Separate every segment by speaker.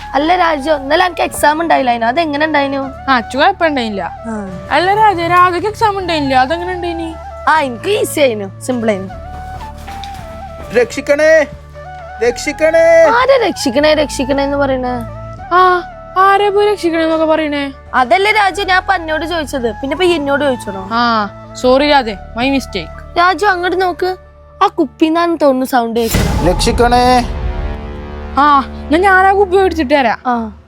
Speaker 1: അല്ല രാജു, ഇന്നലെ എനിക്ക് എക്സാം ഉണ്ടായില്ല, അതെങ്ങനെ ഉണ്ടായിനു?
Speaker 2: അച്ചു കുഴപ്പമുണ്ടായില്ല. അല്ല രാജ, രാധക്ക് എക്സാം ഉണ്ടായില്ല, അതെങ്ങനെ ഉണ്ടായിനി?
Speaker 1: എനിക്ക് ഈസി ആയിനു, സിമ്പിൾ ആയിനു.
Speaker 3: രക്ഷിക്കണേ രക്ഷിക്കണേ.
Speaker 1: ആരെ രക്ഷിക്കണേ രക്ഷിക്കണേ എന്ന് പറയണേ?
Speaker 2: ആരെ പോയി രക്ഷിക്കണേന്നൊക്കെ പറയണേ?
Speaker 1: അതല്ലേ രാജു ഞാൻ എന്നോട് ചോദിച്ചത്, പിന്നെ ഇപ്പൊ എന്നോട് ചോദിച്ചോ?
Speaker 2: സോറി രാജെ, മൈ മിസ്റ്റേക്ക്.
Speaker 1: രാജു അങ്ങോട്ട് നോക്ക്, ആ കുപ്പിന്നാന്ന് തോന്നുന്നു സൗണ്ട് കേൾക്കണം.
Speaker 3: രക്ഷിക്കണേ.
Speaker 2: ഞാനാ കുപ്പി മേടിച്ചിട്ട് തരാം.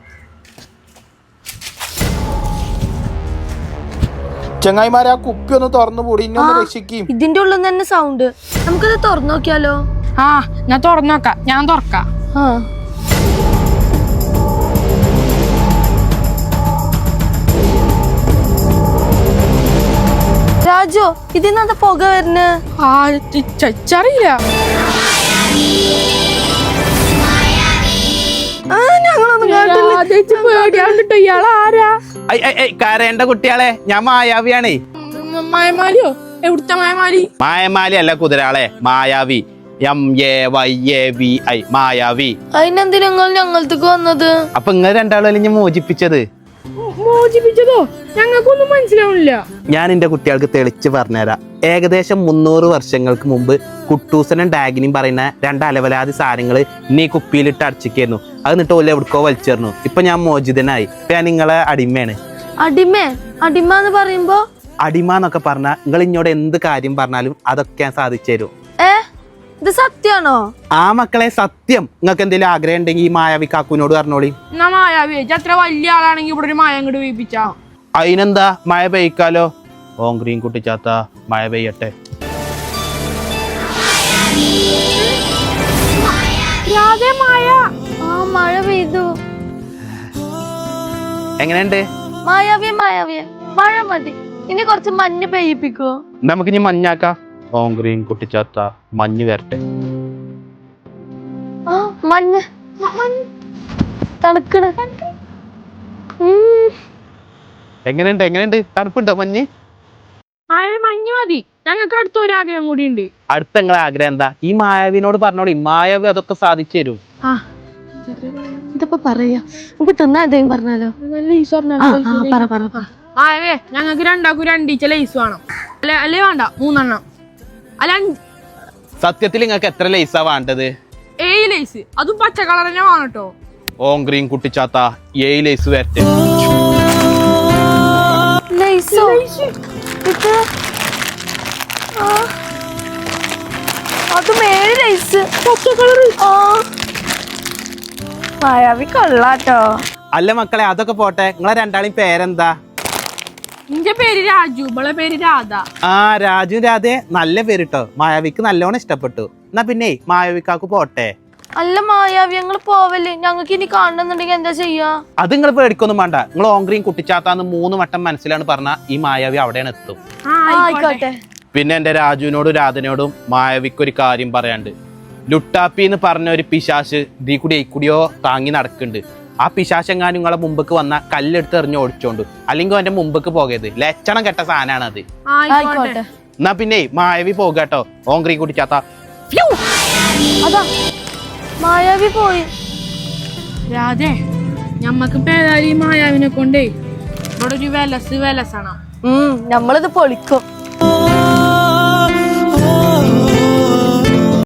Speaker 3: ചങ്ങായിമാരെ ആ കുപ്പി ഒന്ന് തുറന്നു കൂടി, ഇന്നൊന്ന് രക്ഷിക്കും.
Speaker 1: ഇതിന്റെ ഉള്ളിൽ നിന്ന് തന്നെ സൗണ്ട്, നമുക്കത് തുറന്നു നോക്കിയാലോ?
Speaker 2: ഞാൻ തുറന്നു നോക്കാം, ഞാൻ തുറക്കാം.
Speaker 1: രാജു, ഇതിന്നത്തെ പുക വരുന്ന?
Speaker 2: ചച്ചറിയില്ല.
Speaker 3: കരേണ്ട കുട്ടിയാളെ, ഞാൻ മായാവിയാണേ.
Speaker 2: മായമാലിയോ? എവിടുത്തെ മായമാലി?
Speaker 3: മായമാലി അല്ല കുതിരാളെ, മായാവി. MAYAVI മായാവി.
Speaker 1: അതിനെന്തിനാ ഞങ്ങളത്തേക്ക് വന്നത്?
Speaker 3: അപ്പൊ ഇങ്ങനെ രണ്ടാളും ഞാൻ മോചിപ്പിച്ചത്.
Speaker 2: മോചിപ്പിച്ചതോ? ഞങ്ങൾക്കൊന്നും മനസ്സിലാവണില്ല.
Speaker 3: ഞാൻ എന്റെ കുട്ടികൾക്ക് തെളിച്ച് പറഞ്ഞുതരാം. ഏകദേശം 300 വർഷങ്ങൾക്ക് മുമ്പ് കുട്ടൂസനും ഡാഗിനും പറയുന്ന രണ്ട് അലവലാതി സാധനങ്ങള് ഇനി കുപ്പിയിലിട്ട് അടച്ചിക്കായിരുന്നു. അത് എന്നിട്ട് ഓല എവിടക്കോ വലിച്ചേർന്നു. ഇപ്പൊ ഞാൻ മോചിതനായി. ഇപ്പൊ ഞാൻ നിങ്ങളെ അടിമയാണ്.
Speaker 1: അടിമ എന്ന് പറയുമ്പോ?
Speaker 3: അടിമ എന്നൊക്കെ പറഞ്ഞാൽ നിങ്ങൾ ഇങ്ങോട്ട് എന്ത് കാര്യം പറഞ്ഞാലും അതൊക്കെ ഞാൻ സാധിച്ചു തരും.
Speaker 1: ഇത് സത്യാണോ?
Speaker 3: ആ മക്കളെ, സത്യം. നിങ്ങൾക്ക് എന്തെങ്കിലും ആഗ്രഹം ഉണ്ടെങ്കിൽ ഈ മായാവി കാക്കുവിനോട് പറഞ്ഞോളി.
Speaker 2: മായാവി അത്ര വലിയ ആളാണെങ്കിൽ ഇവിടെ ഒരു മായ അങ്ങോട്ട് വീപ്പിച്ചാ.
Speaker 3: അതിനെന്താ, മഴ പെയ്ക്കാലോ. ഓങ്ക്രീൻ കുട്ടിച്ചാത്ത, മഴ പെയ്യട്ടെ.
Speaker 1: മഴ പെയ്തു.
Speaker 3: എങ്ങനെയുണ്ട്?
Speaker 1: മായാവിയെ മഴ മതി, ഇനി കുറച്ച് മഞ്ഞ് പെയ്യിപ്പിക്കോ?
Speaker 3: നമുക്കിനി മഞ്ഞാക്കാം. ഓങ്ക്രീൻ കുട്ടിച്ചാത്ത, മഞ്ഞ് വരട്ടെ.
Speaker 1: മഞ്ഞ് തണുക്കണ്.
Speaker 3: എങ്ങനെയുണ്ട്? തണുപ്പുണ്ടോ മഞ്ഞ്?
Speaker 2: മഞ്ഞ് മതി, ഞങ്ങൾക്ക് അടുത്തൊരാഗ്രഹം കൂടി ഉണ്ട്.
Speaker 3: അടുത്ത നിങ്ങളെ ആഗ്രഹം എന്താ? ഈ മായാവിനോട് പറഞ്ഞോളി, മായാവി അതൊക്കെ സാധിച്ചു തരും.
Speaker 1: ഇതിപ്പോ പറയാ, നമുക്ക് തിന്നാ എന്തെങ്കിലും പറഞ്ഞാലോ?
Speaker 2: മായവേ, ഞങ്ങൾക്ക് രണ്ടാക്കും രണ്ടീച്ച ലൈസ് വേണം. അല്ലേ വേണ്ട, 3 എണ്ണം. അല്ല,
Speaker 3: സത്യത്തിൽ നിങ്ങൾക്ക് എത്ര ലൈസാ വേണ്ടത്?
Speaker 2: 7 ലൈസ്, അതും പച്ച കളർ തന്നെ വേണം കേട്ടോ.
Speaker 3: ഓങ്ക്രീൻ കുട്ടിച്ചാത്ത, 7 ലൈസ് വരട്ടെ.
Speaker 1: അതും 7 ലൈസ് പച്ച കളർ. മായാവി കൊള്ളാട്ടോ.
Speaker 3: അല്ല മക്കളെ, അതൊക്കെ പോട്ടെ, നിങ്ങളെ രണ്ടാളും പേരെന്താ?
Speaker 2: നിന്റെ പേര് രാജു, ഇവളെ പേര് രാധ.
Speaker 3: രാജു രാധേ, നല്ല പേര് കേട്ടോ. മായാവിക്ക് നല്ലോണം ഇഷ്ടപ്പെട്ടു. എന്നാ പിന്നെ മായാവിക്കാക്ക് പോട്ടെ.
Speaker 1: അല്ല മായാവി, ഞങ്ങൾ പോവല്ലേ? ഞങ്ങൾക്ക് ഇനി കാണണമെന്നുണ്ടെങ്കിൽ എന്താ ചെയ്യാ?
Speaker 3: അത് നിങ്ങൾ പേടിക്കൊന്നും വേണ്ട. നിങ്ങൾ ഓങ്ക്രീൻ കുട്ടിച്ചാത്താന്ന് 3 വട്ടം മനസ്സിലാണ് പറഞ്ഞ ഈ മായാവി അവിടെയാണ് എത്തും.
Speaker 1: ആയിക്കോട്ടെ.
Speaker 3: പിന്നെ എന്റെ രാജുവിനോടും രാധനോടും മായാവിക്ക് ഒരു കാര്യം പറയാണ്ട്. ലുട്ടാപ്പി എന്ന് പറഞ്ഞ ഒരു പിശാശ് ദീ കൂടിയോ താങ്ങി നടക്കുന്നുണ്ട്. ആ പിശാശെങ്ങാനും നിങ്ങളെ മുമ്പക്ക് വന്ന കല്ലെടുത്ത് എറിഞ്ഞ് ഓടിച്ചോണ്ട്, അല്ലെങ്കിൽ അവന്റെ മുമ്പക്ക് പോകരുത്. ലക്ഷണം കെട്ട സാധനമാണ് അത്. എന്നാ പിന്നെ മായാവി പോകട്ടോ. ഓങ്ക്രീൻ കുട്ടിച്ചാത്ത.
Speaker 1: അതാ മായാവി പോയി.
Speaker 2: രാധേ, ഞമ്മക്ക് പേരാലി മായാവിനെ കൊണ്ടേ ഇവിടെ ഒരു വിലസാണ്.
Speaker 1: നമ്മളിത് പൊളിക്കും.